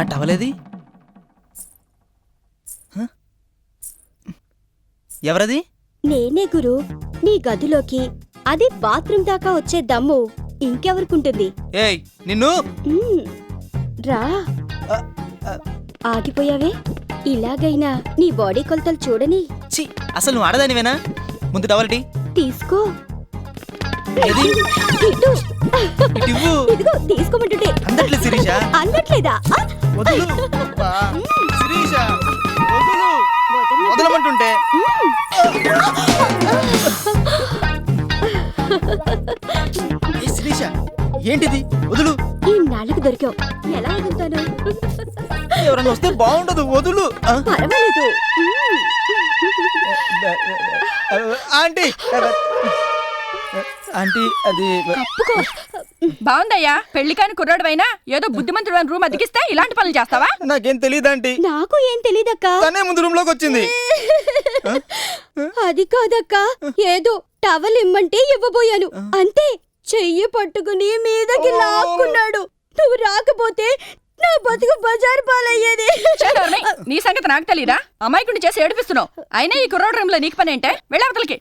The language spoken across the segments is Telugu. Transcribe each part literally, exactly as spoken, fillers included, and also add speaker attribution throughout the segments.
Speaker 1: నా టవలేది? ఎవరది?
Speaker 2: నేనే గురు. నీ గదిలోకి, అది బాత్రూమ్ దాకా వచ్చే దమ్ము ఇంకెవరికుంటుంది?
Speaker 1: ఏయ్ నిన్ను!
Speaker 2: రా. ఆగిపోయావే. ఇలాగైనా నీ బాడీ కొలతలు చూడని.
Speaker 1: ఛీ, అసలు నువ్వు ఆడదానివేనా? ముందు టవల్టి
Speaker 2: తీసుకో.
Speaker 1: ఇదిగో
Speaker 2: తీసుకోమంటుంటే
Speaker 1: అందట్లే శిరీష.
Speaker 2: అందట్లేదా?
Speaker 1: వదులు శిరీష, వదులు. వదలమంటుంటే. శిరీష ఏంటిది? వదులు.
Speaker 2: ఈ నాలుగు దొరికావు, ఎలా వదులుతాను?
Speaker 1: ఎవరన్నా వస్తే బాగుండదు, వదులు.
Speaker 2: పర్వాలేదు.
Speaker 1: ఆంటీ ఆంటీ అది
Speaker 3: బాగుందయ్యా. పెళ్లి కాని కుర్రాడువైనా ఏదో బుద్ధిమంతుడు రూమ్ అతికిస్తే ఇలాంటి పనులు చేస్తావా?
Speaker 1: నాకేం తెలియదు ఆంటీ.
Speaker 2: నాకు ఏం తెలీదక్కా.
Speaker 1: తనే ముందు రూమ్ లోకి వచ్చింది.
Speaker 2: అది కాదక్కా, ఏదో టవల్ ఇమ్మంటే ఇవ్వబోయాను అంతే. చెయ్యి పట్టుకుని మీదకి లాక్కున్నాడు. నువ్వు రాకపోతే నా బతుకు బజారు పాలయ్యేది.
Speaker 3: నీ సంగతి నాకు తెలీదా? అమాయకుడిని చేసి ఏడిపిస్తున్నావు. అయినా ఈ కుర్రోడు రూమ్ లో నీకు పని ఏంటే? వెళ్ళవతలకి.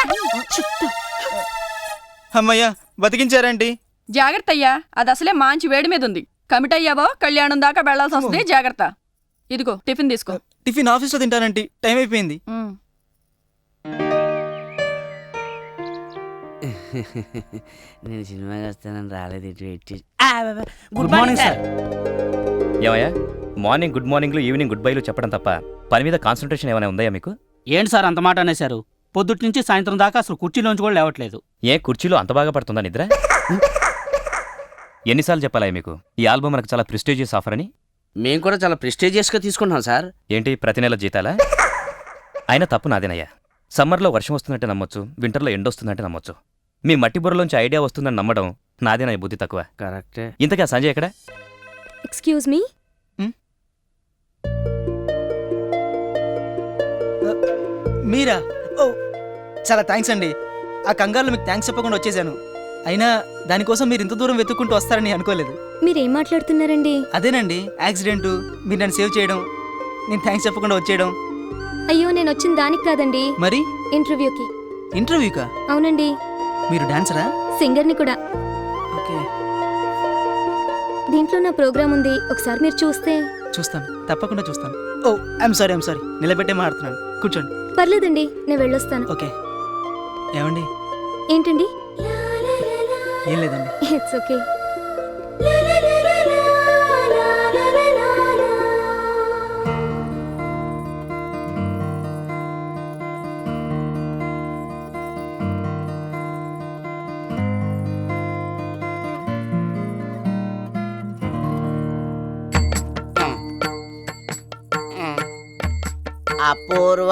Speaker 1: అమ్మయ్యా, బతికించారంటీ.
Speaker 3: జాగ్రత్త అయ్యా, అది అసలే మంచి వేడి మీద ఉంది. కమిట్ అయ్యావో కళ్యాణం దాకా వెళ్లాల్సి వస్తుంది. జాగ్రత్త. ఇదిగో టిఫిన్ తీసుకో.
Speaker 1: టిఫిన్ ఆఫీస్ లో తింటానంటీ, టైం అయిపోయింది.
Speaker 4: నేను సినిమాకి వస్తానని రాలేదు.
Speaker 5: Good morning sir. ఏమయ్యా, మార్నింగ్ గుడ్ మార్నింగ్లు, ఈవినింగ్ గుడ్ బైలు చెప్పడం తప్ప పని మీద కాన్సన్ట్రేషన్ ఏమైనా ఉందా మీకు?
Speaker 6: ఏంటి సార్ అంత మాట అనేశారు? పొద్దుటి నుంచి సాయంత్రం దాకా అసలు కుర్చీలోంచి కూడా లేవట్లేదు.
Speaker 5: ఏ కుర్చీలో అంత బాగా పడుతుందా నిద్ర? ఎన్నిసార్లు చెప్పాలా మీకు ఈ ఆల్బమ్ మనకు చాలా ప్రెస్టీజియస్ ఆఫర్ అని?
Speaker 4: మేము కూడా చాలా ప్రెస్టీజియస్గా తీసుకుంటున్నాం సార్.
Speaker 5: ఏంటి ప్రతి నెల జీతాలా? అయినా తప్పు నాదేనయ్యా. సమ్మర్లో వర్షం వస్తుందంటే నమ్మొచ్చు, వింటర్లో ఎండ వస్తుందంటే నమ్మొచ్చు. మీ మట్టి బుర్రలోంచి ఐడియా వస్తుందని నమ్మడం నాదేనా బుద్ధి తక్కువ?
Speaker 4: కరెక్టే.
Speaker 5: ఇంతకా సంజయ్ ఎక్కడ?
Speaker 2: Excuse me.
Speaker 1: మీరా? ఓ చాలా థ్యాంక్స్ అండి. ఆ కంగారులో మీకు థ్యాంక్స్ చెప్పకుండా వచ్చేసాను. అయినా దానికోసం మీరు ఇంత దూరం వెతుక్కుంటూ వస్తారని అనుకోలేదు.
Speaker 2: మీరేం మాట్లాడుతున్నారండి?
Speaker 1: అదేనండి, యాక్సిడెంట్, మీరు నన్ను సేవ్ చేయడం, నేను థ్యాంక్స్ చెప్పకుండా వచ్చేయడం.
Speaker 2: అయ్యో, నేను వచ్చిన దానికి కాదండి.
Speaker 1: మరి?
Speaker 2: ఇంటర్వ్యూకి.
Speaker 1: ఇంటర్వ్యూకా?
Speaker 2: అవునండి.
Speaker 1: మీరు డాన్సరా?
Speaker 2: సింగర్ని కూడా.
Speaker 1: ఓకే.
Speaker 2: దీంట్లో నా ప్రోగ్రామ్ ఉంది, ఒకసారి మీరు చూస్తే.
Speaker 1: చూస్తాను, తప్పకుండా చూస్తాను. Oh I'm sorry I'm sorry నిలబెట్టే మాట్లాడుతున్నాను. కూర్చోండి.
Speaker 2: పర్లేదండి, నేను వెళ్ళొస్తాను.
Speaker 1: ఓకే. ఏమండి?
Speaker 2: ఏంటండి?
Speaker 1: ఏం లేదండి.
Speaker 2: It's okay.
Speaker 4: అపూర్వ,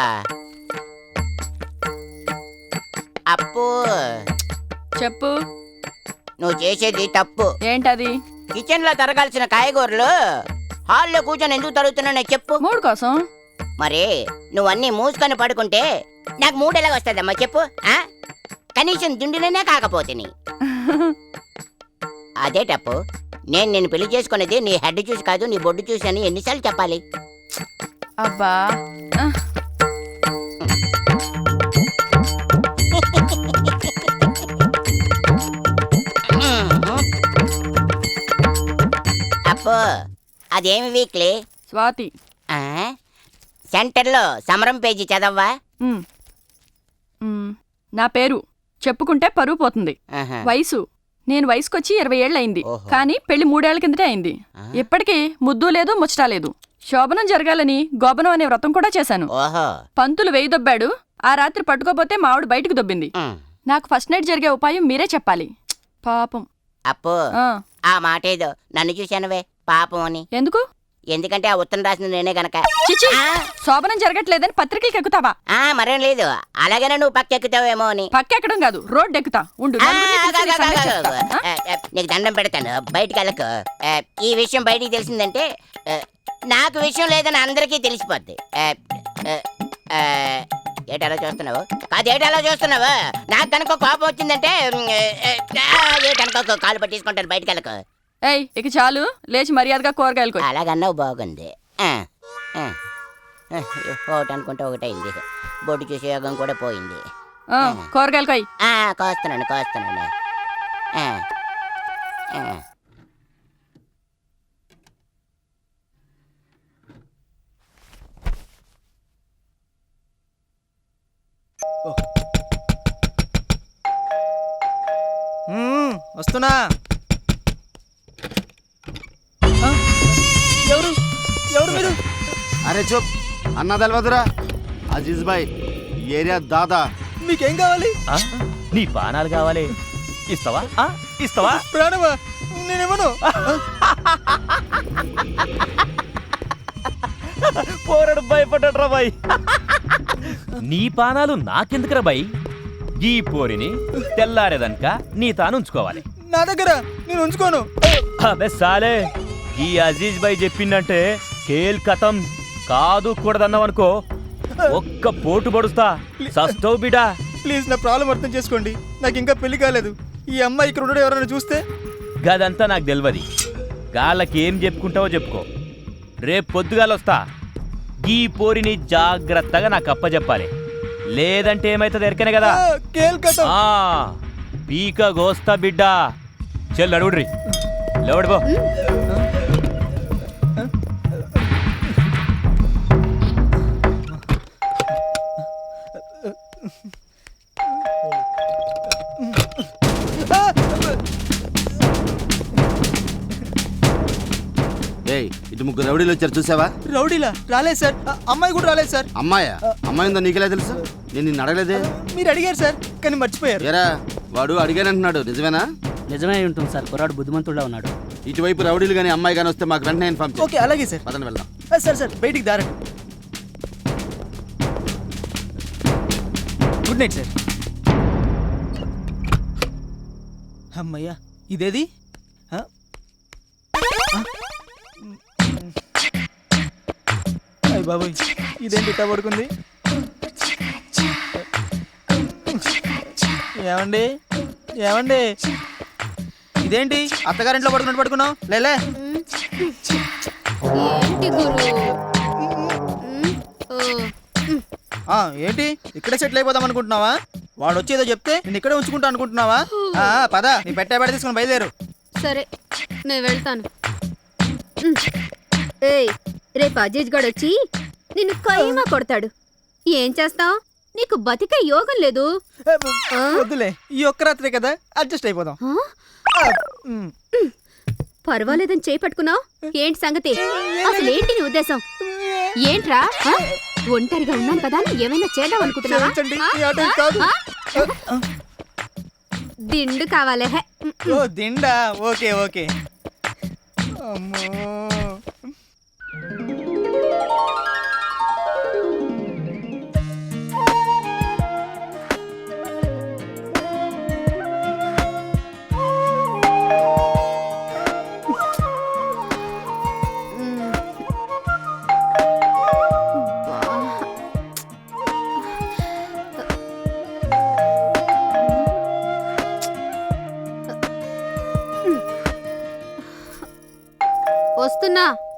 Speaker 4: అప్పు
Speaker 3: చెప్పు.
Speaker 4: నువ్వు చేసేది తప్పు.
Speaker 3: ఏంటది?
Speaker 4: కిచెన్ లో తరగాల్సిన కాయగూరలు హాల్లో కూర్చొని ఎందుకు తరుగుతున్నా చెప్పు.
Speaker 3: మూడు కోసం.
Speaker 4: మరి నువ్వన్నీ మూసుకొని పడుకుంటే నాకు మూడు ఎలాగ వస్తుందమ్మా చెప్పు. కనీసం దుండిలోనే కాకపోతే అదే తప్పు. నేను నేను పెళ్లి చేసుకునేది నీ హెడ్ చూసి కాదు, నీ బొడ్డు చూసి అని ఎన్నిసార్లు చెప్పాలి?
Speaker 3: అబ్బా,
Speaker 4: అప్పు అదేమి వీక్లీ?
Speaker 3: స్వాతి.
Speaker 4: సెంటర్లో సమరం పేజీ చదవ్వా?
Speaker 3: నా పేరు చెప్పుకుంటే పరువు పోతుంది. వయసు, నేను వయసుకొచ్చి ఇరవై ఏళ్ళయింది, కానీ పెళ్లి మూడేళ్ల కిందటే అయింది. ఇప్పటికీ ముద్దు లేదు, ముచ్చటా లేదు. శోభనం జరగాలని గోబనం అనే వ్రతం కూడా చేశాను. పంతులు వెయ్యి దొబ్బాడు. ఆ రాత్రి పట్టుకోపోతే మావిడ బయటకు దొబ్బింది. నాకు ఫస్ట్ నైట్ జరిగే ఉపాయం మీరే చెప్పాలి. పాపం.
Speaker 4: అప్పు ఆ మాట ఏదో నన్ను చూశానువే పాపం అని.
Speaker 3: ఎందుకు?
Speaker 4: ఎందుకంటే ఆ ఉత్తరం రాసిన నేనే గనక.
Speaker 3: శోభనం జరగట్లేదని పత్రికలకు ఎక్కుతావా?
Speaker 4: మరేం లేదు, అలాగనే నువ్వు పక్కెక్కుతావేమో అని.
Speaker 3: పక్కెక్కడం కాదు, రోడ్డు ఎక్కుతా. ఉండు,
Speaker 4: నీకు దండం పెడతాను, బయటికి వెళ్ళకు. ఈ విషయం బయటికి తెలిసిందంటే నాకు విషయం లేదని అందరికీ తెలిసిపోద్ది. ఏటలా చూస్తున్నావు? కాదేటలా చూస్తున్నావు? నాకు కనుక కోపం వచ్చిందంటే ఏటనుకో కాలు పట్టించుకుంటాను, బయటికి వెళ్ళకు.
Speaker 3: ఏయ్ ఇక చాలు, లేచి మర్యాదగా కూరగాయలు కొయ్.
Speaker 4: అలాగన్నావు బాగుంది. ఆ, ఆ, ఆ, ఒకటి అనుకుంటే ఒకటైంది. బొడ్డు చూసే యోగం కూడా పోయింది.
Speaker 3: ఆ, కూరగాయలు కొయ్.
Speaker 4: ఆ, కోస్తున్నాను కోస్తున్నాను. ఆ, ఆ.
Speaker 1: మ్మ్, వస్తున్నా. ఆ, ఎవరు ఎవరు మీరు?
Speaker 7: అరే చూప్ అన్న తెలవదురా, అజీజ్ భాయ్ ఈ ఏరియా దాదా.
Speaker 1: మీకేం కావాలి?
Speaker 5: ఆ? నీ పానాలు కావాలి, ఇస్తావా? ఆ? ఇస్తావా?
Speaker 1: ప్రాణమా? నేనేమను?
Speaker 5: పోరడు భయపడ్డా బాయ్. నీ పానాలు నాకెందుకురా బాయ్? ఈ పోరిని తెల్లారేదనక నీ తాను ఉంచుకోవాలి.
Speaker 1: నా దగ్గర నేను ఉంచుకోను.
Speaker 5: అబే సాలే, ఈ అజీజ్ భాయ్ చెప్పిందంటే కేల్ కథం కాదు కూడదన్నావనుకో, ఒక్క పోటు పడుస్తా సస్తవు బిడా.
Speaker 1: ప్లీజ్ నా ప్రాబ్లం అర్థం చేసుకోండి. నాకు ఇంకా పెళ్లి కాలేదు. ఈ అమ్మాయి ఇక్కడ ఉండడం ఎవరైనా చూస్తే?
Speaker 5: గదంతా నాకు తెలియదు. గాళ్ళకేం చెప్పుకుంటావో చెప్పుకో. రేపు పొద్దుగాలొస్తా. ఈ పోరిని జాగ్రత్తగా నాకు అప్పచెప్పాలి, లేదంటే ఏమైతుంది ఎరకనే కదా.
Speaker 1: ఆ, కేల్కతం.
Speaker 5: ఆ పీక గోస్తా బిడ్డ. చెల్లు అడుగుడ్రి, లేవడిపో.
Speaker 7: ఏయ్ ఇటు ముగ్గురు రౌడీలు వచ్చారు చూసావా?
Speaker 1: రౌడీలా? రాలేదు సార్. ఆ, అమ్మాయి కూడా రాలేదు సార్.
Speaker 7: అమ్మాయా? అమ్మాయి ఉందా నీకెలా తెలుసు? నేను నిన్ను అడగలేదే.
Speaker 1: మీరు అడిగారు సార్, కానీ మర్చిపోయారు.
Speaker 7: ఏరా వాడు అడిగానంటున్నాడు, నిజమేనా?
Speaker 6: నిజమే ఉంటుంది సార్, కుర్రాడు బుద్ధిమంతుడా ఉన్నాడు.
Speaker 7: ఇటువైపు రౌడీలు కానీ అమ్మాయి కానీ వస్తే మాకు వెంటనే ఇన్ఫార్మ్ చేయి.
Speaker 1: ఓకే, అలాగే సార్.
Speaker 7: పదండి వెళ్దాం.
Speaker 1: ఆ, సార్ సార్ బయటికి దారండి. Good night sir. అమ్మయ్యా, ఇదేది? ఆ? ఆ? అయ్ బాబోయ్, ఇదేంటి ఇట్టా పడుకుంది? ఏమండి ఏమండి ఇదేంటి అత్తగారింట్లో పడుకున్నట్టు పడుకున్నావు? లేలే.
Speaker 2: ఏంటి గురు? ఉమ్, ఓ, ఉమ్,
Speaker 1: ఆ, ఏంటి ఇక్కడే సెటిల్ అయిపోదాం అనుకుంటున్నావా? వాడు వచ్చి ఏదో చెప్తే నేను ఇక్కడే ఉంచుకుంటా అనుకుంటున్నావా? ఆ, పద, నీ పెట్టే బెడ తీసుకుని బయలుదేరు.
Speaker 2: సరే నేను వెళ్తాను. ఉమ్. ఏయ్, రేపు అజీజ్ గడ్ వచ్చి నిన్ను కైమా కొడతాడు. ఏం చేస్తావ్? నీకు బతికే యోగం లేదు.
Speaker 1: ఏ, వద్దులే, ఈ ఒక్క రాత్రే కదా, అడ్జస్ట్ అయిపోదాం.
Speaker 2: ఆ?
Speaker 1: ఆ, ఉమ్.
Speaker 2: పర్వాలేదని చేపట్టుకున్నావు. ఏంటి సంగతి? అసలు ఏంటి నీ ఉద్దేశం? ఏంట్రా? ఆ? ఒంటరిగా ఉన్నాను కదా అని ఏమైనా చేద్దాం అనుకుంటున్నావా?
Speaker 1: క్షమించండి,
Speaker 2: ఆ?
Speaker 1: ఈ ఆట ఇది కాదు.
Speaker 2: ఆ? దిండు కావాలే. హే.
Speaker 1: ఓ దిండా, ఓకే ఓకే. అమ్మో.
Speaker 2: వస్తున్నా.